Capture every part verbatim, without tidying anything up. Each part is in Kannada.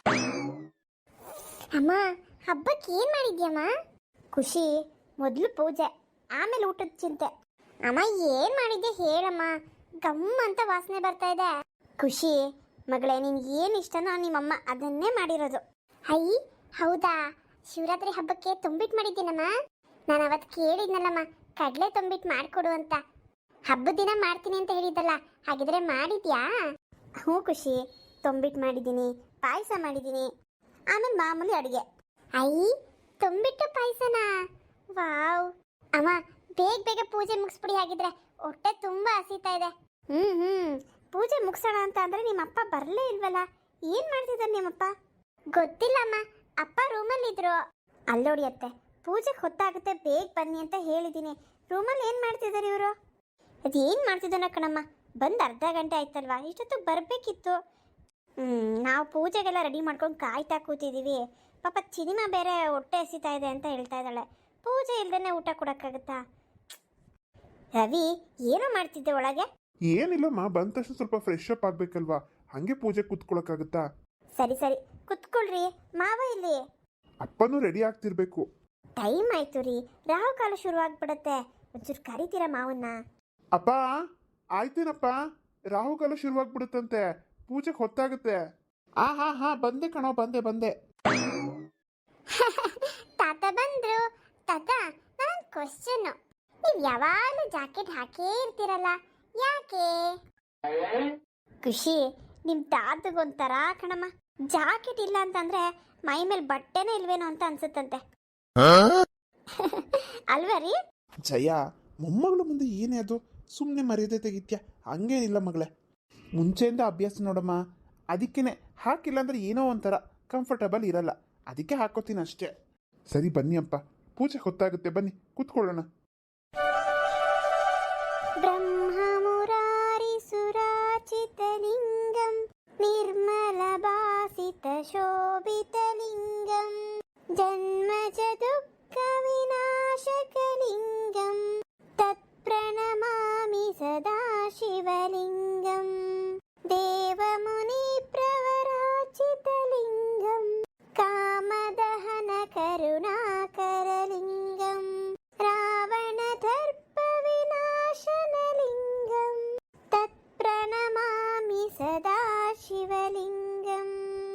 ಅಮ್ಮ, ಹಬ್ಬಕ್ಕೆ ಏನ್ ಮಾಡಿದ್ಯಮ್ಮ? ಖುಷಿ, ಮೊದಲು ಪೂಜೆ, ಆಮೇಲೆ ಊಟದ ಚಿಂತೆ. ಅಮ್ಮ, ಏನ್ ಮಾಡಿದ್ದೆ ಹೇಳಮ್ಮ, ಗಮ್ ಅಂತ ವಾಸನೆ ಬರ್ತಾ ಇದೆ. ಖುಷಿ ಮಗಳೇ, ನಿನ್ ಏನ್ ಇಷ್ಟನೋ ನಿಮ್ಮಮ್ಮ ಅದನ್ನೇ ಮಾಡಿರೋದು. ಹೈ, ಹೌದಾ? ಶಿವರಾತ್ರಿ ಹಬ್ಬಕ್ಕೆ ತುಂಬಿಟ್ಟು ಮಾಡಿದ್ದೀನಮ್ಮ. ನಾನು ಅವತ್ತು ಕೇಳಿದ್ನಲ್ಲಮ್ಮ, ಕಡಲೆ ತುಂಬಿಟ್ಟು ಮಾಡಿಕೊಡು ಅಂತ. ಹಬ್ಬದ ದಿನ ಮಾಡ್ತೀನಿ ಅಂತ ಹೇಳಿದ್ದಲ್ಲ, ಹಾಗಿದ್ರೆ ಮಾಡಿದ್ಯಾ? ಹ್ಞೂ ಖುಷಿ, ತುಂಬಿಟ್ಟು ಮಾಡಿದ್ದೀನಿ, ಪಾಯಸ ಮಾಡಿದ್ದೀನಿ, ಆಮೇಲೆ ಮಾಮೂಲಿ ಅಡುಗೆ. ಐ, ತುಂಬಿಟ್ಟು ಪಾಯಸನಾ? ವಾವ್! ಅಮ್ಮ, ಬೇಗ ಬೇಗ ಪೂಜೆ ಮುಗಿಸ್ಬಿಡಿ, ಆಗಿದ್ರೆ ಹೊಟ್ಟೆ ತುಂಬಾ ಹಸಿತಾ ಇದೆ. ಹ್ಮ್ ಹ್ಮ್ ಪೂಜೆ ಮುಗಿಸೋಣ ಅಂತ ಅಂದ್ರೆ ನಿಮ್ಮಪ್ಪ ಬರಲೇ ಇಲ್ವಲ್ಲ? ಏನ್ ಮಾಡ್ತಿದ್ದಾರೆ ನಿಮ್ಮಪ್ಪ? ಗೊತ್ತಿಲ್ಲಮ್ಮ, ಅಪ್ಪ ರೂಮಲ್ಲಿದ್ರು. ಅಲ್ಲೋಡಿ ಅತ್ತೆ, ಪೂಜೆಗೆ ಹೊತ್ತಾಗುತ್ತೆ, ಬೇಗ ಬನ್ನಿ ಅಂತ ಹೇಳಿದ್ದೀನಿ. ರೂಮಲ್ಲಿ ಏನು ಮಾಡ್ತಿದ್ದಾರೆ ಇವರು? ಅದೇನು ಮಾಡ್ತಿದ್ದಾನ ಕಣಮ್ಮ, ಬಂದು ಅರ್ಧ ಗಂಟೆ ಆಯ್ತಲ್ವಾ, ಇಷ್ಟೊತ್ತಿಗೆ ಬರಬೇಕಿತ್ತು. ಹ್ಞೂ ನಾವು ಪೂಜೆಗೆಲ್ಲ ರೆಡಿ ಮಾಡ್ಕೊಂಡು ಕಾಯ್ತಾ ಕೂತಿದ್ದೀವಿ. ಪಾಪ ಸಿನಿಮಾ ಬೇರೆ ಹೊಟ್ಟೆ ಹಸಿತಾ ಇದೆ ಅಂತ ಹೇಳ್ತಾ ಇದ್ದಾಳೆ. ಪೂಜೆ ಇಲ್ದೇ ಊಟ ಕೊಡೋಕ್ಕಾಗುತ್ತಾ? ರವಿ, ಏನೋ ಮಾಡ್ತಿದ್ದೆ ಒಳಗೆ? ಏನಿಲ್ಲಮ್ಮ, ಬಂದ ತಕ್ಷಣ ಸ್ವಲ್ಪ ಫ್ರೆಶ್ ಅಪ್ ಆಗ್ಬೇಕಲ್ವಾ, ಹಂಗೆ ಪೂಜೆ ಕೂತ್ಕೊಳ್ಳೋಕ್ಕಾಗುತ್ತಾ? ಸರಿ ಸರಿ ಕೂತ್ಕೊಳ್ರಿ. ಮಾವ ಇಲ್ಲಿ? ಅಪ್ಪನೂ ರೆಡಿ ಆಗ್ತಿರ್ಬೇಕು. ಟೈಮ್ ಆಯ್ತು ರೀ, ರಾಹು ಕಾಲ ಶುರು ಆಗ್ಬಿಡತ್ತೆ. ಒಂಚೂರು ಕರಿತೀರಾ ಮಾವನ್ನ? ಅಪ್ಪ ಆಯ್ತೇನಪ್ಪ, ರಾಹುಕಾಲ ಶುರುವಾಗ್ಬಿಡುತ್ತಂತೆ, ಪೂಜೆಗೆ ಹೊತ್ತಾಗುತ್ತೆ. ಆ ಹಾ ಹಾ ಬಂದೆ ಕಣೋ, ಬಂದೆ ಬಂದೆ. ತಾತ ಬಂದ್ರು. ತಾತ, ನನ್ನ ಕ್ವಶನ್, ನೀವು ಯಾವಾಗಲೂ ಜಾಕೆಟ್ ಹಾಕೇ ಇರ್ತೀರಲ್ಲ, ಯಾಕೆ? ಖುಷಿ, ನಿಮ್ ತಾತಗೊಂಥರ ಕಣಮ್ಮ, ಜಾಕೆಟ್ ಇಲ್ಲ ಅಂತಂದ್ರೆ ಮೈ ಮೇಲೆ ಬಟ್ಟೆನೇ ಇಲ್ವೇನೋ ಅಂತ ಅನ್ಸುತ್ತಂತೆ. ಅಲ್ವಾ ರೀ? ಜಯ, ಮೊಮ್ಮಗಳ ಮುಂದೆ ಏನೇ ಅದು, ಸುಮ್ಮನೆ ಮರ್ಯಾದೆ ತೆಗಿತ್ಯಾ? ಹಂಗೇನಿಲ್ಲ ಮಗಳೇ, ಮುಂಚೆಯಿಂದ ಅಭ್ಯಾಸ ನೋಡಮ್ಮ, ಅದಕ್ಕೇನೆ ಹಾಕಿಲ್ಲ ಅಂದ್ರೆ ಏನೋ ಒಂಥರ ಕಂಫರ್ಟಬಲ್ ಇರಲ್ಲ, ಅದಕ್ಕೆ ಹಾಕೋತೀನಿ ಅಷ್ಟೇ. ಸರಿ ಬನ್ನಿ ಅಪ್ಪ, ಪೂಜೆ ಹೊತ್ತಾಗುತ್ತೆ, ಬನ್ನಿ ಕೂತ್ಕೊಳ್ಳೋಣ. ಬ್ರಹ್ಮ ಮುರಾರಿ ಸುರಾಚಿತಲಿಂಗಂ ನಿರ್ಮಲ ಭಾಸಿತ ಶೋಭಿತಲಿಂಗಂ ಜನ್ಮಜ ದುಃಖ ವಿನಾಶಕಲಿಂಗಂ ತತ್ಪ್ರಣಮಾಮಿ ಸದಾ ಶಿವಲಿಂಗಂ ದೇವಮುನಿ ಪ್ರವರಾಚಿತಲಿಂಗಂ ಕಾಮದಹನ ಕರುಣಾಕರಲಿಂಗಂ ರಾವಣ ದರ್ಪ ವಿನಾಶನಲಿಂಗಂ ತತ್ಪ್ರಣಮಾಮಿ ಸದಾ ಶಿವಲಿಂಗಂ.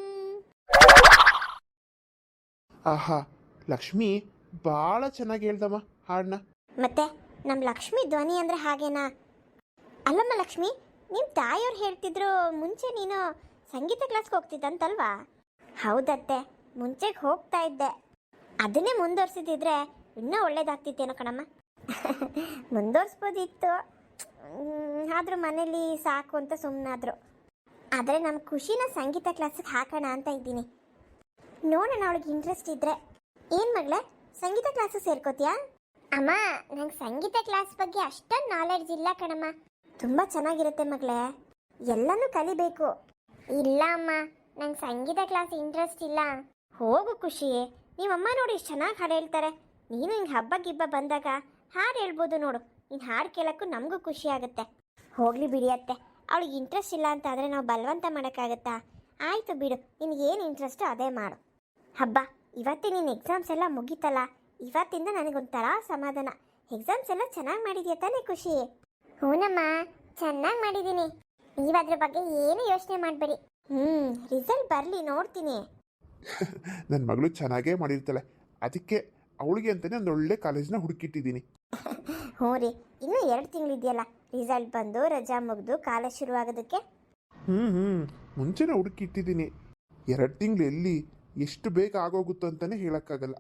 ಆಹಾ, ಲಕ್ಷ್ಮಿ ಭಾಳ ಚೆನ್ನಾಗಿ ಹೇಳ್ದಮ್ಮ ಹಾಡನ್ನ. ಮತ್ತೆ ನಮ್ಮ ಲಕ್ಷ್ಮಿ ಧ್ವನಿ ಅಂದ್ರೆ ಹಾಗೇನಾ? ಅಲ್ಲಮ್ಮ ಲಕ್ಷ್ಮಿ, ನಿಮ್ಮ ತಾಯಿಯವ್ರು ಹೇಳ್ತಿದ್ರು ಮುಂಚೆ ನೀನು ಸಂಗೀತ ಕ್ಲಾಸ್ಗೆ ಹೋಗ್ತಿದ್ದಂತಲ್ವಾ? ಹೌದತ್ತೆ, ಮುಂಚೆಗೆ ಹೋಗ್ತಾ ಇದ್ದೆ. ಅದನ್ನೇ ಮುಂದುವರ್ಸಿದ್ರೆ ಇನ್ನೂ ಒಳ್ಳೇದಾಗ್ತಿತ್ತೇನೋ ಕಣಮ್ಮ. ಮುಂದುವರ್ಸ್ಬೋದಿತ್ತು, ಆದರೂ ಮನೇಲಿ ಸಾಕು ಅಂತ ಸುಮ್ಮನಾದ್ರು. ಆದರೆ ನಮ್ಮ ಖುಷಿನ ಸಂಗೀತ ಕ್ಲಾಸಿಗೆ ಹಾಕೋಣ ಅಂತ ಇದ್ದೀನಿ. ನೋಡೋಣ, ಅವಳಿಗೆ ಇಂಟ್ರೆಸ್ಟ್ ಇದ್ರೆ. ಏನು ಮಗಳೇ, ಸಂಗೀತ ಕ್ಲಾಸಿಗೆ ಸೇರ್ಕೋತೀಯಾ? ಅಮ್ಮ, ನಂಗೆ ಸಂಗೀತ ಕ್ಲಾಸ್ ಬಗ್ಗೆ ಅಷ್ಟೊಂದು ನಾಲೆಡ್ಜ್ ಇಲ್ಲ ಕಣಮ್ಮ. ತುಂಬ ಚೆನ್ನಾಗಿರುತ್ತೆ ಮಗಳೇ, ಎಲ್ಲನೂ ಕಲಿಬೇಕು. ಇಲ್ಲ ಅಮ್ಮ, ನಂಗೆ ಸಂಗೀತ ಕ್ಲಾಸ್ ಇಂಟ್ರೆಸ್ಟ್ ಇಲ್ಲ. ಹೋಗು ಖುಷಿ, ನೀವಮ್ಮ ನೋಡಿ ಇಷ್ಟು ಚೆನ್ನಾಗಿ ಹಾಡು ಹೇಳ್ತಾರೆ. ನೀನು ಹಿಂಗೆ ಹಬ್ಬ ಗಿಬ್ಬ ಬಂದಾಗ ಹಾಡು ಹೇಳ್ಬೋದು ನೋಡು. ನೀನು ಹಾಡು ಕೇಳೋಕ್ಕೂ ನಮಗೂ ಖುಷಿ ಆಗುತ್ತೆ. ಹೋಗಲಿ ಬಿಡಿಯತ್ತೆ, ಅವಳಿಗೆ ಇಂಟ್ರೆಸ್ಟ್ ಇಲ್ಲ ಅಂತ ಆದರೆ ನಾವು ಬಲವಂತ ಮಾಡೋಕ್ಕಾಗತ್ತಾ? ಆಯಿತು ಬಿಡು, ನಿನಗೇನು ಇಂಟ್ರೆಸ್ಟು ಅದೇ ಮಾಡು. ಹಬ್ಬ, ಇವತ್ತೇ ನಿನ್ನ ಎಕ್ಸಾಮ್ಸ್ ಎಲ್ಲ ಮುಗೀತಲ್ಲ, ಇವತ್ತಿಂದ ನನಗೊಂಥರ ಸಮಾಧಾನ. ಎಕ್ಸಾಮ್ಸ್ ಎಲ್ಲ ಚೆನ್ನಾಗಿ ಮಾಡಿದ್ಯಾ ತಾನೇ ಖುಷಿ? ಹೂನಮ್ಮ, ಚೆನ್ನಾಗಿ ಮಾಡಿದ್ದೀನಿ. ನೀವು ಅದ್ರ ಬಗ್ಗೆ ಏನು ಯೋಚನೆ ಮಾಡಬೇಡಿ. ಹ್ಞೂ ರಿಸಲ್ಟ್ ಬರಲಿ, ನೋಡ್ತೀನಿ. ನನ್ನ ಮಗಳು ಚೆನ್ನಾಗೇ ಮಾಡಿರ್ತಾಳೆ, ಅದಕ್ಕೆ ಅವಳಿಗೆ ಅಂತಲೇ ಒಂದು ಒಳ್ಳೆ ಕಾಲೇಜ್ನ ಹುಡುಕಿಟ್ಟಿದ್ದೀನಿ. ಹ್ಞೂ ರೀ, ಇನ್ನೂ ಎರಡು ತಿಂಗಳಿದೆಯಲ್ಲ ರಿಸಲ್ಟ್ ಬಂದು ರಜಾ ಮುಗಿದು ಕಾಲೇಜ್ ಶುರುವಾಗೋದಕ್ಕೆ. ಹ್ಞೂ ಹ್ಞೂ ಮುಂಚೆನೇ ಹುಡುಕಿಟ್ಟಿದ್ದೀನಿ. ಎರಡು ತಿಂಗಳು ಎಲ್ಲಿ ಎಷ್ಟು ಬೇಗ ಆಗೋಗುತ್ತೋ ಅಂತಲೇ ಹೇಳೋಕ್ಕಾಗಲ್ಲ.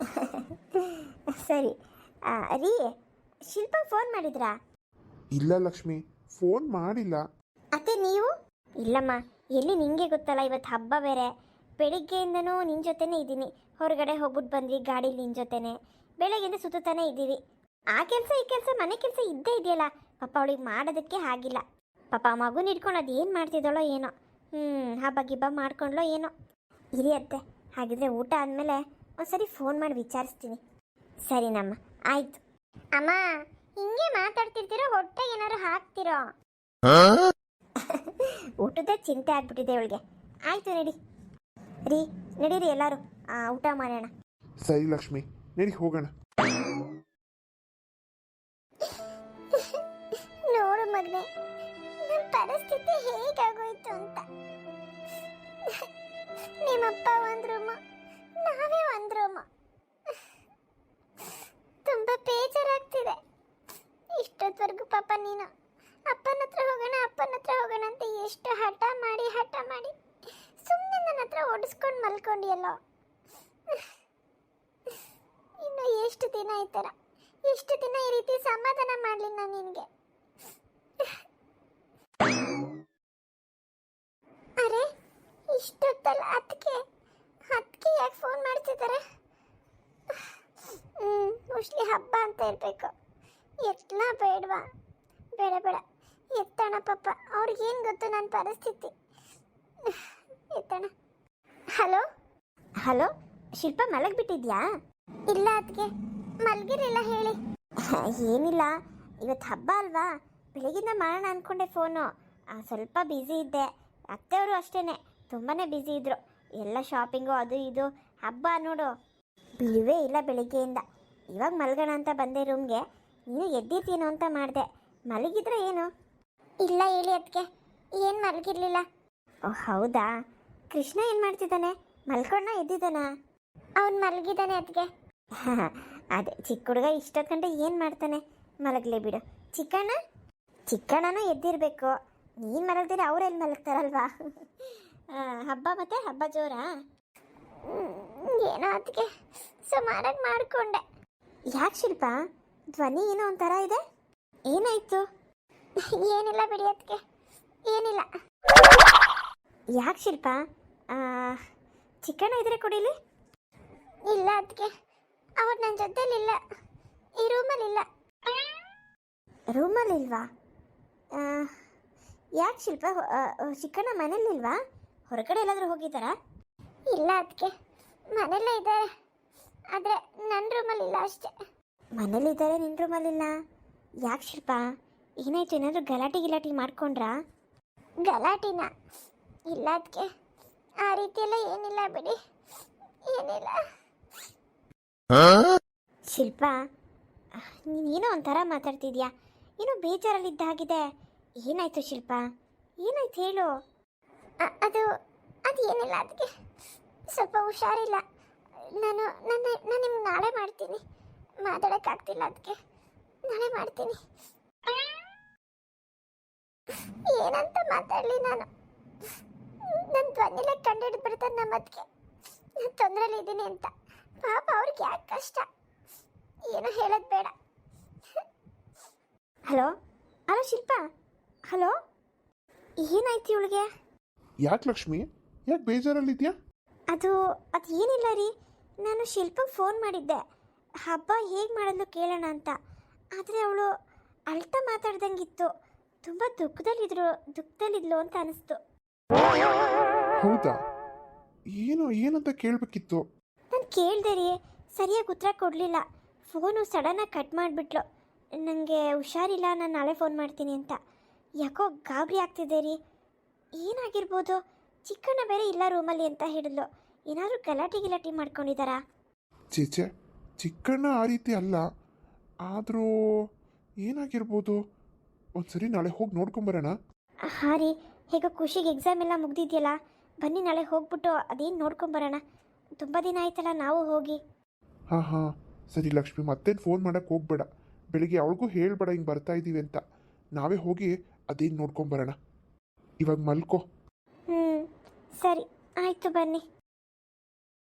ಸರಿ ರೀ, ಶಿಲ್ಪ ಫೋನ್ ಮಾಡಿದ್ರಾ? ಇಲ್ಲ ಲಕ್ಷ್ಮಿ, ಫೋನ್ ಮಾಡಿಲ್ಲ. ಅತ್ತೆ ನೀವು? ಇಲ್ಲಮ್ಮ, ಎಲ್ಲಿ ನಿಂಗೆ ಗೊತ್ತಲ್ಲ, ಇವತ್ತು ಹಬ್ಬ ಬೇರೆ. ಬೆಳಿಗ್ಗೆಯಿಂದನೂ ನಿನ್ನ ಜೊತೆನೇ ಇದ್ದೀನಿ. ಹೊರಗಡೆ ಹೋಗ್ಬಿಟ್ಟು ಬಂದ್ವಿ ಗಾಡೀಲಿ ನಿನ್ನ ಜೊತೆನೆ. ಬೆಳಗ್ಗೆಯಿಂದ ಸುತ್ತಾನೆ ಇದ್ದೀವಿ. ಆ ಕೆಲಸ ಈ ಕೆಲಸ ಮನೆ ಕೆಲಸ ಇದ್ದೇ ಇದೆಯಲ್ಲ. ಪಾಪ ಅವಳಿಗೆ ಮಾಡೋದಕ್ಕೆ ಆಗಿಲ್ಲ. ಪಾಪ ಮಗುನ ಇಟ್ಕೊಂಡು ಅದು ಏನು ಮಾಡ್ತಿದ್ದಾಳೋ ಏನೋ. ಹ್ಞೂ ಹಬ್ಬ ಗಿಬ್ಬ ಮಾಡ್ಕೊಂಡ್ಲೋ ಏನೋ. ಇರಿಯತ್ತೆ, ಹಾಗಿದ್ರೆ ಊಟ ಆದಮೇಲೆ ಒಂದ್ಸರಿ ಫೋನ್ ಮಾಡಿ ವಿಚಾರಿಸ್ತೀನಿ. ಸರಿನಮ್ಮ, ಆಯಿತು. ಅಮ್ಮ, ಹಿಂಗೆ ಮಾತಾಡ್ತಿರ್ತೀರೋ ಹೊಟ್ಟೆ ಏನಾದ್ರು ಹಾಕ್ತಿರೋ? ಊಟದ ಚಿಂತೆ ಆಗ್ಬಿಟ್ಟಿದೆ ಇವಳಿಗೆ. ಆಯಿತು ನಡಿ. ರೀ ನಡೀರಿ ಎಲ್ಲರೂ ಆ, ಊಟ ಮಾಡೋಣ. ಸರಿ ಲಕ್ಷ್ಮಿ, ನಡಿ ಹೋಗೋಣ. ನೋಡು ಮಗನೆ, ನನ್ನ ಪರಿಸ್ಥಿತಿ ಹೇಗಾಗೋಯ್ತು ಅಂತ. ನಿಮ್ಮಪ್ಪ ಒಂದು ರೂಮು, ನಾವೇ ಒಂದು ರೂಮು. ತುಂಬ ಬೇಜಾರಾಗ್ತಿದೆ. ಇಷ್ಟೊತ್ತವರೆಗೂ ಪಾಪ ನೀನು ಅಪ್ಪನ ಹತ್ರ ಹೋಗೋಣ ಅಪ್ಪನ ಹತ್ರ ಹೋಗೋಣ ಅಂತ ಎಷ್ಟು ಹಠ ಮಾಡಿ ಹಠ ಮಾಡಿ ಸುಮ್ಮನೆ ನನ್ನ ಹತ್ರ ಓಡಿಸ್ಕೊಂಡು ಮಲ್ಕೊಂಡಿಯಲ್ಲೋ. ಇನ್ನು ಎಷ್ಟು ದಿನ ಈ ಥರ, ಎಷ್ಟು ದಿನ ಈ ರೀತಿ ಸಮಾಧಾನ ಮಾಡಲಿ ನಾನು ನಿನಗೆ. ಅರೆ ಇಷ್ಟೊತ್ತಲ್ಲ ಅದಕ್ಕೆ ಅದಕ್ಕೆ ಯಾಕೆ ಫೋನ್ ಮಾಡ್ತಿದ್ದಾರೆ? ಹ್ಞೂ ಮೋಸ್ಟ್ಲಿ ಹಬ್ಬ ಅಂತ ಇರಬೇಕು. ಎತ್ತಲ ಬೇಡವಾ? ಬೇಡ ಬೇಡ ಎತ್ತಣ ಪಾಪ, ಅವ್ರಿಗೇನು ಗೊತ್ತು ನನ್ನ ಪರಿಸ್ಥಿತಿ. ಎತ್ತಣ. ಹಲೋ ಹಲೋ ಶಿಲ್ಪ, ಮಲಗಿಬಿಟ್ಟಿದ್ಯಾ? ಇಲ್ಲ ಅದಕ್ಕೆ ಮಲಗಿರಲಿಲ್ಲ, ಹೇಳಿ. ಏನಿಲ್ಲ, ಇವತ್ತು ಹಬ್ಬ ಅಲ್ವಾ, ಬೆಳಗಿಂದ ಮಾಡೋಣ ಅಂದ್ಕೊಂಡೆ ಫೋನು. ಸ್ವಲ್ಪ ಬ್ಯುಸಿ ಇದ್ದೆ. ಅತ್ತೆಯವರು ಅಷ್ಟೇ ತುಂಬಾ ಬ್ಯುಸಿ ಇದ್ದರು. ಎಲ್ಲ ಶಾಪಿಂಗು ಅದು ಇದು, ಹಬ್ಬ ನೋಡು ಬಿಡುವೇ ಇಲ್ಲ ಬೆಳಿಗ್ಗೆಯಿಂದ. ಇವಾಗ ಮಲಗೋಣ ಅಂತ ಬಂದೆ ರೂಮ್ಗೆ, ನೀನು ಎದ್ದಿರ್ತೀನೋ ಅಂತ ಮಾಡಿದೆ. ಮಲಗಿದ್ರೆ ಏನು? ಇಲ್ಲ ಹೇಳಿ ಅದಕ್ಕೆ, ಏನು ಮಲಗಿರಲಿಲ್ಲ. ಓ ಹೌದಾ? ಕೃಷ್ಣ ಏನು ಮಾಡ್ತಿದ್ದಾನೆ? ಮಲ್ಕೊಂಡ ಎದ್ದಿದ್ದಾನ? ಅವನು ಮಲಗಿದ್ದಾನೆ ಅದಕ್ಕೆ. ಅದೇ ಚಿಕ್ಕ ಹುಡುಗ ಇಷ್ಟೊತ್ತು ಗಂಟೆ ಏನು ಮಾಡ್ತಾನೆ? ಮಲಗಲೇ ಬಿಡು. ಚಿಕ್ಕಣ್ಣ ಚಿಕ್ಕಣ್ಣನೂ ಎದ್ದಿರಬೇಕು. ನೀನು ಮಲಗ್ದಿರ ಅವರೆಲ್ಲಿ ಮಲಗ್ತಾರಲ್ವಾ? ಹಬ್ಬ ಮತ್ತೆ ಹಬ್ಬ ಜೋರಾ? ಏನೋ ಅದಕ್ಕೆ ಸುಮಾರಾಗಿ ಮಾಡಿಕೊಂಡೆ. ಯಾಕೆ ಶಿಲ್ಪ, ಧ್ವನಿ ಏನೋ ಒಂಥರ ಇದೆ, ಏನಾಯ್ತು? ಏನಿಲ್ಲ ಬಿಡಿ ಅದಕ್ಕೆ, ಏನಿಲ್ಲ. ಯಾಕೆ ಶಿಲ್ಪ? ಚಿಕ್ಕಣ್ಣ ಇದ್ರೆ ಕೊಡಿಲಿ. ಇಲ್ಲ ಅದಕ್ಕೆ, ಅವ್ರು ನನ್ನ ಜೊತೆಲಿಲ್ಲ, ಈ ರೂಮಲ್ಲಿಲ್ಲ. ರೂಮಲ್ಲಿಲ್ವಾ? ಯಾಕೆ ಶಿಲ್ಪ, ಚಿಕ್ಕಣ್ಣ ಮನೇಲಿಲ್ವಾ? ಹೊರಗಡೆ ಎಲ್ಲಾದರೂ ಹೋಗಿದ್ದಾರಾ? ಇಲ್ಲ ಅದಕ್ಕೆ, ಮನೆಯಲ್ಲೇ ಇದ್ದಾರೆ, ಆದರೆ ನನ್ನ ರೂಮಲ್ಲಿಲ್ಲ ಅಷ್ಟೇ. ಮನೇಲಿದ್ದಾರೆ, ನಿನ್ನ ರೂಮಲ್ಲಿಲ್ಲ? ಯಾಕೆ ಶಿಲ್ಪ, ಏನಾಯ್ತು? ಏನಾದರೂ ಗಲಾಟೆ ಗಿಲಾಟಿ ಮಾಡ್ಕೊಂಡ್ರಾ? ಗಲಾಟಿನ? ಇಲ್ಲ ಅದಕ್ಕೆ, ಆ ರೀತಿಯೆಲ್ಲ ಏನಿಲ್ಲ ಬಿಡಿ, ಏನಿಲ್ಲ. ಶಿಲ್ಪ, ನೀನೇನೋ ಒಂಥರ ಮಾತಾಡ್ತಿದ್ಯಾ, ಏನೋ ಬೇಜಾರಲ್ಲಿದ್ದಾಗಿದೆ. ಏನಾಯ್ತು ಶಿಲ್ಪ, ಏನಾಯ್ತು ಹೇಳು? ಅದು ಅದು ಏನಿಲ್ಲ ಅದಕ್ಕೆ, ಸ್ವಲ್ಪ ಹುಷಾರಿಲ್ಲ. ನಾನು ನನ್ನ ನಾನು ನಿಮ್ಗೆ ನಾಳೆ ಮಾಡ್ತೀನಿ, ಮಾತಾಡೋಕ್ಕಾಗ್ತಿಲ್ಲ ಅದಕ್ಕೆ, ನಾಳೆ ಮಾಡ್ತೀನಿ. ಏನಂತ ಮಾತಾಡಲಿ ನಾನು? ನನ್ನ ಧ್ವನಿಲ ಕಂಡಿಡಿದು ಬಿಡ್ತಾರೆ ನಮ್ಮ ಅದಕ್ಕೆ ನಾನು ತೊಂದರೆಲಿ ಇದ್ದೀನಿ ಅಂತ. ಪಾಪ ಅವ್ರಿಗೆ ಯಾಕೆ ಕಷ್ಟ, ಏನೋ ಹೇಳೋದು ಬೇಡ. ಹಲೋ ಹಲೋ ಶಿಲ್ಪ, ಹಲೋ, ಏನಾಯ್ತು ಇವಳಿಗೆ? ಯಾಕೆ ಲಕ್ಷ್ಮಿ, ಯಾಕೆ ಬೇಜಾರಲ್ಲಿದ್ಯಾ? ಅದು ಅದು ಏನಿಲ್ಲ ರೀ, ನಾನು ಶಿಲ್ಪಗೆ ಫೋನ್ ಮಾಡಿದ್ದೆ ಹಬ್ಬ ಹೇಗೆ ಮಾಡೋದು ಕೇಳೋಣ ಅಂತ. ಆದರೆ ಅವಳು ಅಳ್ತಾ ಮಾತಾಡ್ದಂಗಿತ್ತು, ತುಂಬ ದುಃಖದಲ್ಲಿದ್ರು ದುಃಖದಲ್ಲಿದ್ಲು ಅಂತ ಅನಿಸ್ತು. ಹೌದಾ? ಏನು ಏನಂತ ಕೇಳಬೇಕಿತ್ತು. ನಾನು ಕೇಳಿದೆ ರೀ, ಸರಿಯಾಗಿ ಉತ್ತರ ಕೊಡಲಿಲ್ಲ. ಫೋನು ಸಡನ್ನಾಗಿ ಕಟ್ ಮಾಡಿಬಿಟ್ಲು. ನನಗೆ ಹುಷಾರಿಲ್ಲ, ನಾನು ನಾಳೆ ಫೋನ್ ಮಾಡ್ತೀನಿ ಅಂತ. ಯಾಕೋ ಗಾಬರಿ ಆಗ್ತಿದೆ ರೀ. ಏನಾಗಿರ್ಬೋದು? ಚಿಕ್ಕಣ್ಣ ಬೇರೆ ಇಲ್ಲ ರೂಮಲ್ಲಿ ಅಂತ ಹೇಳಿದ್ಲು. ಏನಾದರೂ ಗಲಾಟೆ ಗಿಲಾಟಿ ಮಾಡ್ಕೊಂಡಿದ್ದಾರಾ? ಚೇಚೆ, ಚಿಕ್ಕಣ್ಣ ಆ ರೀತಿ ಅಲ್ಲ, ಆದರೂ ಏನಾಗಿರ್ಬೋದು? ಒಂದ್ಸರಿ ನಾಳೆ ಹೋಗಿ ನೋಡ್ಕೊಂಬರೋಣ. ಹಾಂ ರೀ, ಹೇಗೋ ಖುಷಿಗೆ ಎಕ್ಸಾಮ್ ಎಲ್ಲ ಮುಗ್ದಿದೆಯಲ್ಲ, ಬನ್ನಿ ನಾಳೆ ಹೋಗ್ಬಿಟ್ಟು ಅದೇನು ನೋಡ್ಕೊಂಬರೋಣ. ತುಂಬ ದಿನ ಆಯ್ತಲ್ಲ ನಾವು ಹೋಗಿ. ಹಾಂ ಹಾಂ ಸರಿ ಲಕ್ಷ್ಮಿ, ಮತ್ತೇನು ಫೋನ್ ಮಾಡೋಕ್ಕೆ ಹೋಗ್ಬೇಡ. ಬೆಳಿಗ್ಗೆ ಅವಳಿಗೂ ಹೇಳ್ಬೇಡ ಹಿಂಗೆ ಬರ್ತಾ ಇದ್ದೀವಿ ಅಂತ. ನಾವೇ ಹೋಗಿ ಅದೇನು ನೋಡ್ಕೊಂಬರೋಣ. ಇವಾಗ ಮಲ್ಕೋ. ಹ್ಞೂ ಸರಿ ಆಯಿತು, ಬನ್ನಿ.